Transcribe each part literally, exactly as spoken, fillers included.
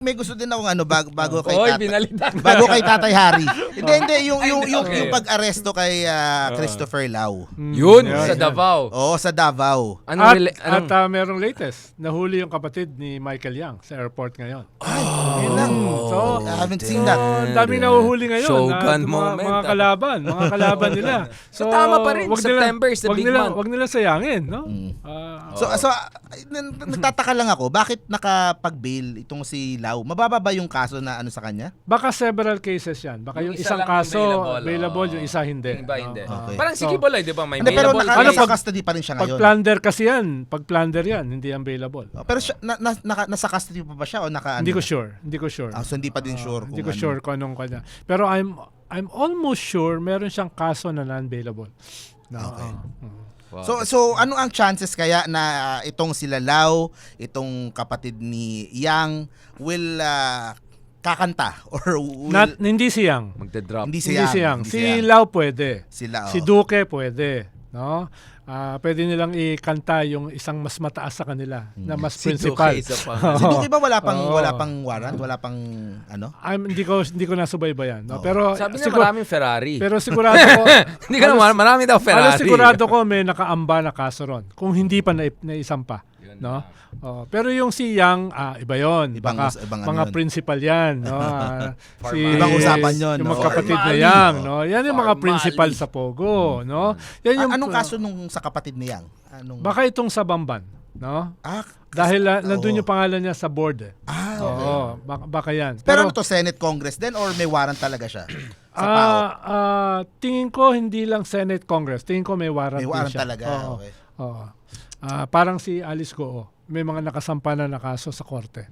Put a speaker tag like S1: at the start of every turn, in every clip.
S1: may gusto din akong ano bago, bago kay
S2: Oy,
S1: Tatay.
S2: binalitan.
S1: Bago kay Tatay Harry. Hindi, hindi yung yung yung,
S2: okay.
S1: yung pag-aresto kay ah, Christopher Lau.
S2: Yun,
S3: Yun,
S2: sa
S3: yan.
S2: Davao.
S1: Oo, sa Davao.
S2: Anong,
S3: At,
S2: rela-
S3: at
S2: anong
S3: ah, merong latest. Nahuli yung kapatid ni Michael Yang sa airport ngayon.
S1: Ay, yun lang.
S3: So,
S1: I haven't seen that.
S3: So, ang daming nahuhuli ngayon.
S2: Shogun
S3: na, mga,
S2: moment,
S3: mga
S2: ah.
S3: kalaban. Mga kalaban nila.
S2: So, tama pa rin.
S3: wag
S2: September is the
S3: wag
S2: big
S3: nila,
S2: month.
S3: Wag nila sayangin, no?
S1: Mm.
S3: Ah,
S1: So, so ah, n- nagtataka lang ako, bakit nakapag-bail itong si Lau? Mababa ba yung kaso na ano sa kanya?
S3: baka several cases yan. Baka yung,
S2: Yung isa
S3: isang
S2: lang
S3: kaso
S2: available,
S3: available,
S2: oo.
S3: yung isa hindi.
S2: Yung iba hindi.
S3: No?
S1: Okay.
S2: Parang si
S3: So,
S2: Kibolay, di ba? May
S1: Hindi, pero
S2: available
S1: naka,
S3: Ano
S1: nasa
S3: pag-
S1: custody pa rin siya
S3: Pag
S1: ngayon.
S3: plunder kasi yan, pag plunder yan, hindi available.
S1: Oh, pero siya, na, na, naka, nasa custody pa ba siya o naka ano?
S3: Hindi ko sure. Hindi ko sure.
S1: Ah, so hindi pa din sure
S3: Ah, hindi
S1: kung
S3: ko
S1: ano.
S3: sure kung anong kanya. Pero I'm I'm almost sure meron siyang kaso na non-bailable. No,
S1: Okay.
S3: ah, mm.
S2: Wow.
S1: So so ano ang chances kaya na ah, itong sila Lau, itong kapatid ni Yang will ah, kakanta or will,
S3: Not, hindi si Yang.
S2: magda-drop.
S1: hindi si
S3: Hindi
S1: Yang,
S3: si Yang.
S1: hindi
S3: Si
S1: Yang.
S3: Lau pwede.
S1: Sila,
S3: Si
S1: oh.
S3: Duque pwede. No? Ah, pwede nilang ikanta yung isang mas mataas sa kanila na mas
S2: Si
S3: principal.
S2: Duque isa pa.
S1: Si Duque ba wala pang
S3: Oo.
S1: wala pang warrant, wala pang ano?
S3: I'm, hindi ko hindi ko nasubaybayan. No?
S1: Oo.
S3: Pero
S2: Sabi na
S3: sigur-
S2: maraming Ferrari.
S3: pero sigurado ko
S2: Hindi ka naman, marami daw Ferrari.
S3: Halos sigurado ko may nakaamba na kaso ron. Kung hindi pa na, naisampa.
S2: Yun
S3: No?
S2: na.
S3: Oh, pero yung si Yang, ah, iba yon.
S1: Ibang
S3: Baka,
S1: us- ibang ano
S3: mga
S1: yun.
S3: principal yan. No? Ah, si,
S1: Ibang usapan yun,
S3: Yung
S1: no?
S3: magkapatid na
S2: Formally.
S3: Yang. No? Yan yung mga
S2: Formally.
S3: principal sa Pogo. No? Yan yung,
S1: A- anong kaso nung sa kapatid ni Yang? Anong
S3: Baka itong sa Bamban. No?
S1: ah,
S3: Dahil ah,
S1: oo.
S3: nandun yung pangalan niya sa board. Eh.
S1: Ah, okay.
S3: Oo, baka, baka yan.
S1: Pero, ano to, Senate Congress din or may warrant talaga siya? Sa P A O?
S3: Ah, ah, tingin ko hindi lang Senate Congress. Tingin ko may warrant
S1: May
S3: din
S1: warrant
S3: siya.
S1: talaga,
S3: Oo.
S1: okay.
S3: Oo. Ah, parang si Alice Goo. May mga nakasampa na na kaso sa korte.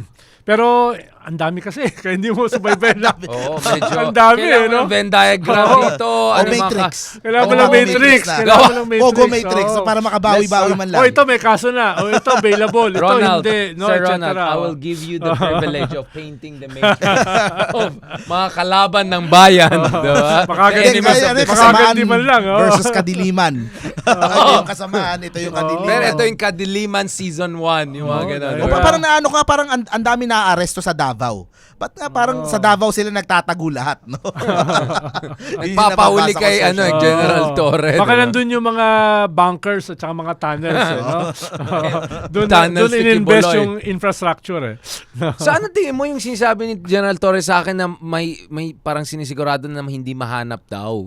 S3: Pero eh, ang dami kasi kaya hindi mo subaybayan na.
S2: Oo, medyo.
S3: Ang dami,
S2: Kailangan
S3: eh, no?
S2: ng Venn diagram
S3: Oo.
S2: dito.
S1: O
S2: Ano
S1: Matrix.
S2: mga
S3: Kailangan mo
S1: Oo,
S3: lang
S1: Pogo
S3: matrix.
S1: na.
S3: Kailangan mo lang matrix.
S1: Pogo Matrix.
S3: Oo.
S1: So, para makabawi-bawi man lang.
S3: Oh, ito may kaso na. Oh, ito available. Ito
S2: Ronald,
S3: hindi. No,
S2: Sir
S3: et cetera.
S2: Ronald, I will give you the privilege of painting the matrix of mga kalaban ng bayan. Diba?
S3: Makaganda
S2: The
S1: Hindi,
S2: enemies
S1: kaya
S2: of
S1: ano
S2: the
S1: yung
S3: Baka
S1: kasamaan
S3: ganti man lang, oh.
S1: versus kadiliman. Ito yung kasamaan, ito yung kadiliman.
S2: Pero ito yung Kadiliman Season one. Yung mga
S3: Oo,
S2: ganun.
S3: dahil-
S1: O, pa- parang naano ka, parang ang ang dami na-aresto sa Davao. Ba't nga parang sa Davao sila nagtatago lahat, no? Yun yung
S2: Nagpapahuli
S1: nababasa ko
S2: kay
S1: sa
S2: ano,
S1: social-
S3: Oo.
S2: General Torre.
S3: Baka
S2: diba?
S3: nandun yung mga bunkers at saka mga tunnels. eh, no? Doon
S2: Tunnels
S3: doon
S2: ni
S3: in-invest
S2: Kibuloy.
S3: yung infrastructure. Eh.
S2: So ano tingin mo yung sinasabi ni General Torres sa akin na may may parang sinisigurado na hindi mahanap daw?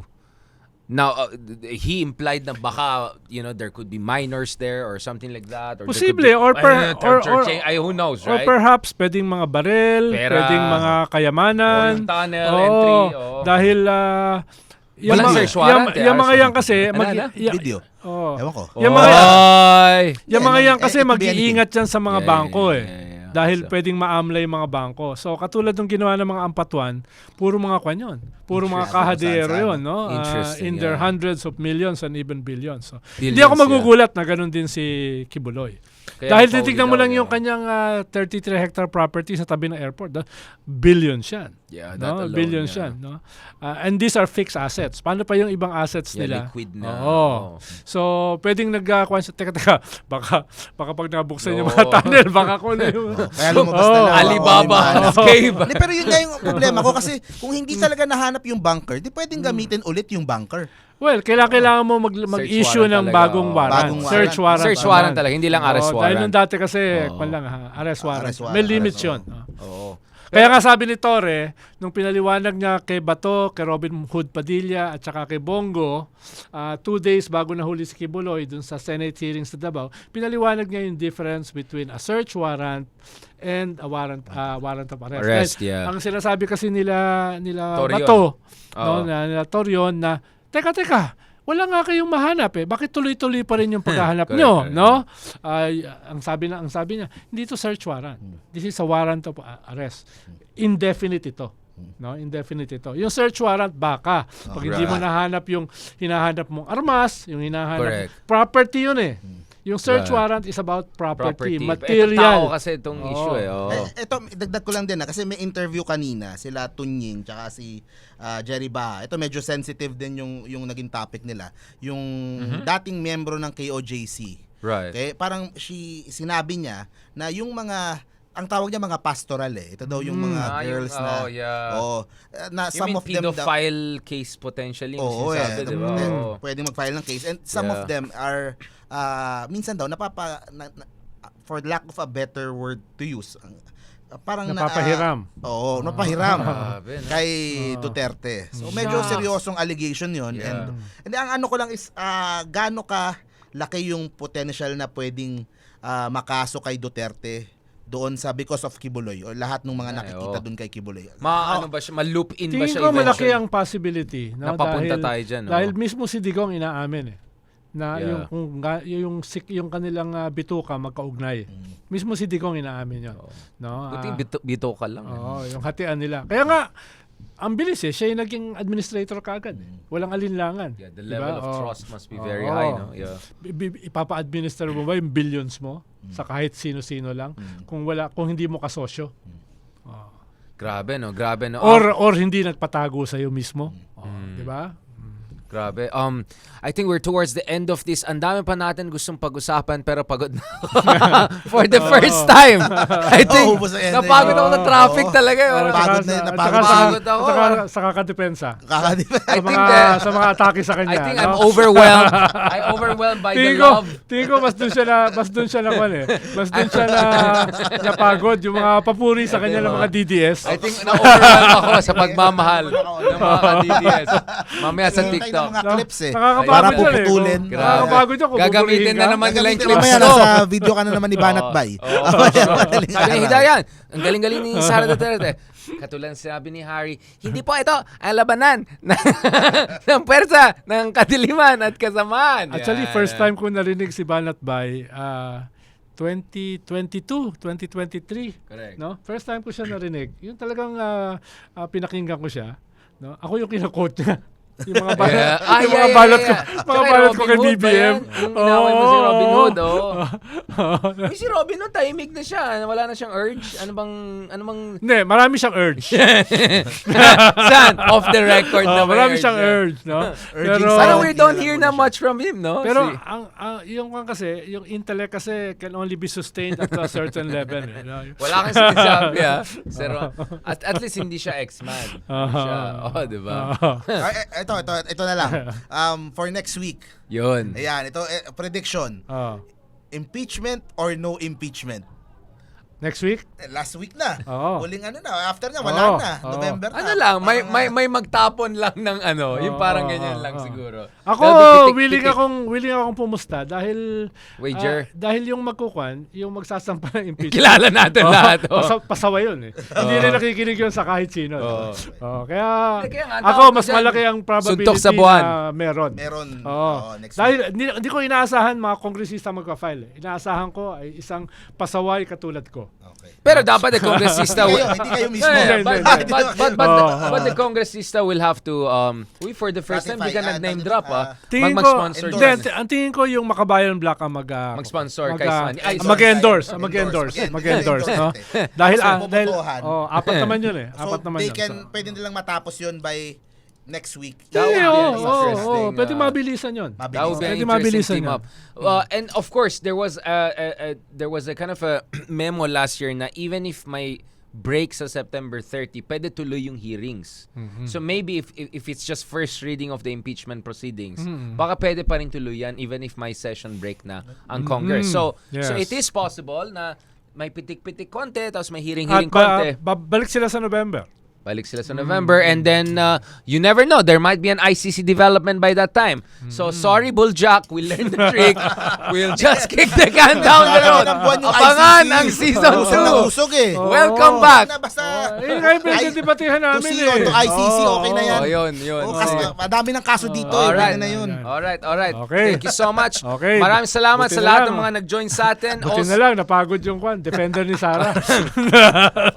S2: Now, uh, he implied na baka, you know, there could be minors there or something like that. Or there could
S3: Posible,
S2: be-
S3: or per-
S2: Ay,
S3: or-
S2: or-
S3: or-
S2: ay, who knows,
S3: Or
S2: right?
S3: perhaps pwedeng mga barel,
S2: Pera.
S3: pwedeng mga kayamanan.
S2: O yung tunnel
S3: Oo,
S2: entry, oo.
S3: Dahil uh,
S2: Walang
S3: mga-
S2: search warrant,
S3: yung,
S2: eh,
S3: yung mga
S2: arrest
S3: yan kasi,
S2: Ano,
S3: mag,
S2: ano?
S3: ya-
S1: Video.
S3: oo.
S1: Ewan ko.
S3: Yung mga,
S2: Oy!
S3: yung mga
S1: Eh,
S3: yan
S1: eh,
S3: kasi
S1: it could be
S3: mag-iingat yan sa mga
S2: Yeah,
S3: bangko
S2: yeah,
S3: eh.
S2: yeah, yeah.
S3: Dahil
S2: So-
S3: pwedeng maamla yung mga bangko. So katulad ng ginawa ng mga ampatuan, puro mga kwan yun. Puro mga
S1: Interesting.
S3: kahadero
S1: Saan-saan.
S3: yun. No? Ah,
S2: Interesting,
S3: in their
S2: yeah.
S3: hundreds of millions and even billions. So,
S2: Billions,
S3: hindi ako
S2: yeah.
S3: magugulat na ganun din si Kibuloy.
S2: Kaya
S3: Dahil
S2: pauli
S3: titignan mo
S2: daw
S3: lang
S2: niya.
S3: yung kanyang ah, thirty-three hectare property sa tabi ng airport. No? Billions yan.
S2: Yeah, that
S3: No?
S2: alone,
S3: Billions
S2: yeah.
S3: yan. No? Ah, and these are fixed assets. Paano pa yung ibang assets
S2: Yeah,
S3: nila?
S2: liquid na.
S3: Oo.
S2: Oo.
S3: So, pwedeng nag uh, Teka, teka. Baka, baka pag nabuksan yung
S2: Oo.
S3: mga tunnel, baka kung ano yung...
S1: Kaya lumabas na
S3: Oh,
S1: lang.
S2: Alibaba
S1: All in one.
S2: cave.
S1: Hindi, pero yun nga yung problema ko kasi kung hindi talaga nahanap yung bunker, di pwedeng gamitin ulit yung bunker.
S3: Well, kailangan, kailangan mo mag, mag-issue
S2: warrant
S3: ng
S2: talaga,
S3: bagong
S2: oo.
S3: warrant.
S1: Bagong
S3: Search
S1: warrant.
S3: warrant.
S2: Search
S3: naman.
S2: warrant talaga, hindi lang arrest
S3: Oo,
S2: warrant.
S3: Dahil nung dati kasi,
S2: Oo.
S3: kwan lang ha, arrest warrant.
S1: Arrest warrant,
S3: May limits
S1: arrest
S3: yun.
S2: Oo.
S3: Kaya nga sabi ni Torre, nung pinaliwanag niya kay Bato, kay Robin Hood Padilla, at saka kay Bongo, ah, two days bago nahuli si Kibuloy dun sa Senate hearings sa Davao, pinaliwanag niya yung difference between a search warrant and a warrant ah, warrant of arrest.
S2: Arrest,
S3: Dahil
S2: yeah.
S3: Ang sinasabi kasi nila nila
S2: Torion.
S3: Bato,
S2: Oo.
S3: no, na, nila Torion na, teka, teka, wala nga kayong mahanap eh. Bakit tuloy-tuloy pa rin yung paghahanap
S2: Correct,
S3: nyo,
S2: correct.
S3: no? Ay, ang sabi na ang sabi niya, hindi to search warrant. This is a warrant of uh, arrest. Indefinite ito. No, indefinite ito. Yung search warrant baka pag hindi mo
S1: Right.
S3: nahanap yung hinahanap mong armas, yung hinahanap
S2: Correct.
S3: property yun eh. Yung search
S2: Right.
S3: warrant is about property,
S2: Property.
S3: material.
S2: Ito tao kasi itong
S3: Oo.
S2: issue eh. Oo.
S1: Eh, ito, dagdag ko lang din na kasi may interview kanina sila Tunying tsaka si ah, Jerry Baha. Ito medyo sensitive din yung yung naging topic nila. Yung dating miyembro ng K O J C.
S2: Right.
S1: Okay, parang she sinabi niya na yung mga ang tawag niya mga pastoral eh. Ito daw yung mga
S2: Ah, yung-
S1: girls na
S2: oh, yeah.
S1: oh, na
S2: You
S1: some
S2: mean
S1: of them daw,
S2: pedophile case potentially? yung
S1: Oo,
S2: sinasabi,
S1: eh.
S2: di ba?
S1: Eh,
S2: Oo.
S1: pwedeng mag-file ng case. And some
S2: Yeah.
S1: of them are, uh, minsan daw, napapa, na, na- for lack of a better word to use, ang- uh, parang na-
S3: Napapahiram.
S1: ah, oo, napahiram.
S2: Grabe, no?
S1: Kay Duterte. So, medyo
S2: Shucks.
S1: seryosong allegation yon.
S2: Yeah.
S1: And, and ang ano ko lang is, uh, gaano ka laki yung potential na pwedeng uh, makaso kay Duterte doon sa because of Kibuloy o lahat ng mga
S2: Ay,
S1: nakikita
S2: oo.
S1: doon kay Kibuloy.
S2: Ma, ano ba siya? Ma-loop in ba
S3: Tingin
S2: siya
S3: ko malaki
S2: eventually?
S3: ang possibility. No?
S2: Napapunta
S3: dahil,
S2: tayo dyan, no?
S3: Dahil mismo si Digong inaamin eh. Na
S2: Yeah.
S3: yung, kung, ga- yung, sik- yung kanilang ah, bituka magkaugnay. Mismo si Digong inaamin yun. No?
S2: Buti
S3: Ah,
S2: bito, bito ka lang.
S3: Oo, yung hatian nila. Kaya nga, ang bilis eh. Siya yung naging administrator kaagad. Eh. Walang alinlangan.
S2: Yeah, the
S3: Diba?
S2: level of
S3: Oo.
S2: trust must be very
S3: Oo.
S2: high, no? Yeah.
S3: I- i- Ipapa-administer mo ba yung billions mo sa kahit sino-sino lang kung wala kung hindi mo kasosyo?
S2: Grabe, no? Grabe, no?
S3: Or or hindi nagpatago sa iyo mismo. Oh, 'di ba?
S2: Grabe. Um, I think we're towards the end of this. Ang dami pa natin gustong pag-usapan pero pagod na ako. For the first time. I think
S1: Oh, ubos na yan.
S2: napagod ako ng traffic
S1: Oo.
S2: talaga. eh.
S1: Oo, pagod na yun,
S3: At
S1: napagod
S3: saka-
S1: na.
S2: Pagod ako.
S3: at saka sa kakadepensa.
S1: Kakadiba.
S2: I
S3: Sa
S2: think
S3: mga,
S2: that-
S3: sa mga atake sa kanya.
S2: I think
S3: no?
S2: I'm overwhelmed. I overwhelmed by the
S3: Tingin ko,
S2: love.
S3: tingin ko mas doon siya na mas doon siya na kwan eh. Mas doon siya na napagod yung mga papuri sa kanya ng mga D D S.
S2: I think na-overwhelmed ako sa pagmamahal ng mga ka-D D S. Mamaya sa
S1: Tayo ng
S2: TikTok.
S1: mga clips eh.
S3: Nakakapagod
S1: Para
S3: yun eh.
S1: puputulin.
S3: Kung- Nakakapagod yun kung
S2: Gagamitin
S3: pupurihin
S2: na
S3: ka.
S2: naman nila yung
S1: Gagamitin
S2: clips
S1: mamaya,
S2: ko.
S1: nasa video ka na naman ni Banat Bay.
S2: Oo.
S1: Madaling
S2: Sabi ni
S1: araw.
S2: Hidayan, ang galing-galing ni Sara Duterte. Katulad ng sinabi ni Harry, hindi po ito ang labanan ng, ng pwersa ng kadiliman at kasamaan.
S3: Actually,
S2: Yan.
S3: first time ko narinig si Banat Bay, ah, twenty twenty-two, twenty twenty-three.
S2: Correct.
S3: No? First time ko siya narinig. Yung talagang ah, ah, pinakinggan ko siya. No? Ako yung kina-quote niya. Yung mga balot,
S2: Yeah. Ah,
S3: yung
S2: yeah,
S3: mga
S2: yeah,
S3: balot
S2: yeah.
S3: ko,
S2: Tsaka
S3: mga
S2: kay
S3: balot ko
S2: Robin
S3: kay
S2: Hood
S3: B B
S2: ba yan?
S3: M.
S2: Yung inaway mo si Robin Hood, oh.
S3: Oo.
S2: Uy, si Robin Hood, tahimik na siya. Wala na siyang urge. Ano bang, ano bang...
S3: Hindi, marami siyang urge.
S2: Saan? Off the record na
S3: Oh,
S2: may
S3: marami
S2: urge
S3: siyang
S2: yan.
S3: urge, no?
S1: Urging
S3: Pero,
S1: sa-
S2: Parang we
S1: Hindi
S2: don't
S1: na
S2: hear
S1: lang
S2: na
S1: muna siya.
S2: much from him, no?
S3: pero
S2: Si-
S3: ang, ang yung kan kasi, yung intellect kasi can only be sustained at a certain level. Eh, no?
S2: Wala kang sinasabi, ha? Pero, at, at least hindi siya X-Man. Hindi siya, oh, di ba?
S3: Oo.
S1: Ay, eh, ito, ito, ito na lang. Um, for next week.
S2: Yun.
S1: Ayan, ito, eh, prediction.
S3: Oo.
S1: Impeachment or no impeachment?
S3: Next week?
S1: Eh, last week na.
S3: Oo.
S1: Huling ano na, after na, wala
S3: Oo.
S1: na.
S3: Oo.
S1: November na.
S2: Ano lang, may
S1: Parang,
S2: may
S1: ah,
S2: may magtapon lang ng ano, yung
S3: Oo,
S2: parang
S3: oo,
S2: ganyan
S3: oo,
S2: lang
S3: oo.
S2: siguro.
S3: Ako,
S2: That'll be pitik-
S3: willing
S2: pitik.
S3: akong willing akong pumusta dahil
S2: Wager.
S3: ah, dahil yung magkukuan, yung magsasampa ng impeachment.
S2: Kilala natin
S3: Oo,
S2: lahat. Oh.
S3: pasa- pasaway yun eh. Hindi rin nakikinig yun sa kahit sino.
S2: Oo.
S3: Oo, kaya
S2: Hindi, kaya nga,
S3: ako
S2: tawag ko
S3: mas
S2: dyan,
S3: malaki ang probability
S2: suntok sa buwan.
S3: na meron.
S1: Meron.
S3: Oo.
S1: Oo, next
S3: Dahil
S1: week.
S3: hindi, hindi ko inaasahan mga kongresista magpa-file. Eh. Inaasahan ko ay isang pasaway katulad ko.
S1: Okay.
S2: Pero dapat the congressista
S1: Hindi
S2: will
S1: kayo, hindi kayo mismo.
S2: Yeah,
S3: Hindi,
S2: but,
S3: hindi,
S2: but,
S3: hindi.
S2: but, but, but,
S3: Oo,
S2: the, but
S3: oo.
S2: the congressista will have to um we for the first time di ka
S1: Ratify, ah,
S2: nag-name
S1: tag-
S2: drop
S1: ah,
S2: ah.
S3: Tingin
S2: Mag
S3: ko,
S2: mag-sponsor
S3: hindi,
S1: endorse.
S2: dyan.
S3: ang tingin ko yung Makabayan Black ang mag ah,
S2: Mag-sponsor
S3: mag,
S2: kay
S3: ah,
S2: Sunny. Ay,
S3: ah,
S2: sorry.
S3: mag-endorse,
S1: Endorse.
S3: mag-endorse,
S1: Mag-
S3: mag-endorse, no?
S1: endorse.
S3: Dahil
S1: So,
S3: ah, dahil
S1: bobotohan.
S3: oh, apat naman yun eh.
S1: So,
S3: Apat naman
S1: they
S3: yun.
S1: can,
S3: So,
S1: pwede nilang matapos yun by next week.
S2: That would
S3: yeah,
S2: be
S3: oo,
S2: an
S3: oo,
S2: interesting,
S3: oo, pwede
S2: uh,
S3: mabilisan yun.
S2: That would be
S1: Mabilis.
S2: an
S3: Pwede
S2: interesting
S3: mabilisan
S2: team
S3: yan.
S2: up. Uh, and of course, there was a, a, a there was a kind of a memo last year na even if may break sa September thirtieth, pwede tuloy yung hearings. So maybe if, if if it's just first reading of the impeachment proceedings, baka pwede pa rin tuloy yan even if may session break na ang Congress. So
S3: Yes.
S2: so it is possible na may pitik-pitik konti tapos may
S3: At
S2: hearing-hearing
S3: ba,
S2: konti.
S3: babalik sila sa November.
S2: Balik sila sa November and then uh, you never know, there might be an I C C development by that time. So sorry Bulljack, we learned the trick. We'll just kick the can down the road.
S1: Ilang buwan yung
S2: Abangan
S1: I C C.
S2: ang season
S1: Usog na
S2: two.
S1: usog eh.
S2: Welcome
S3: Oo.
S2: back.
S1: Na, basta,
S3: Eh, ngayon pwede debatehan
S1: to
S3: namin
S1: C
S3: eh.
S1: O, to I C C, okay na yan.
S2: Oh, yun, yun.
S1: Oh, kasi
S2: Oh.
S1: madami ng kaso dito eh.
S2: Alright.
S1: Pwede na yun.
S2: Alright, alright.
S3: Okay.
S2: Thank you so much.
S3: Okay.
S2: Maraming salamat
S3: Buti
S2: sa
S3: na
S2: lahat
S3: lang.
S2: ng mga nag-join sa atin.
S3: Buti
S2: Also-
S3: na lang, napagod yung kwan. Defender ni Sarah.
S2: Oo nga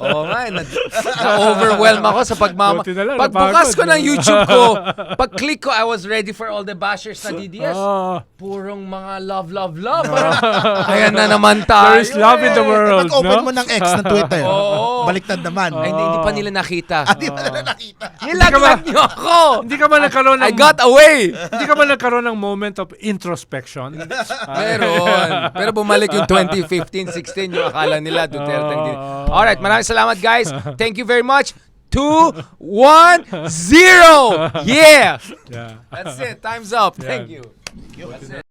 S2: na, na-overwhelm ako sa pagmama.
S3: Buti na lang,
S2: Pagbukas ko
S3: napagod.
S2: ng YouTube ko, pag-click ko, I was ready for all the bashers na D D S.
S3: Oh,
S2: Purong mga love, love, love. Ayan na naman tayo.
S3: there is love in the
S2: eh.
S3: world,
S1: Pag-open
S3: no?
S1: mo ng X ng Twitter,
S2: Oo.
S1: baliktad naman.
S2: Ay, hindi, hindi pa nila nakita.
S1: Ah, di ba na nakita?
S2: Nilaglag niyo ako.
S3: Hindi ka ba nagkaroon ng
S2: I got away.
S3: Hindi ka ba nagkaroon ng moment of introspection?
S2: Meron. Pero bumalik yung twenty fifteen sixteen yung akala nila Duterte. ang din- Alright, maraming salamat guys. Thank you very much. Two, one, zero. Yeah.
S3: Yeah.
S2: That's it. Time's up. Thank
S3: Yeah.
S2: you. That's it.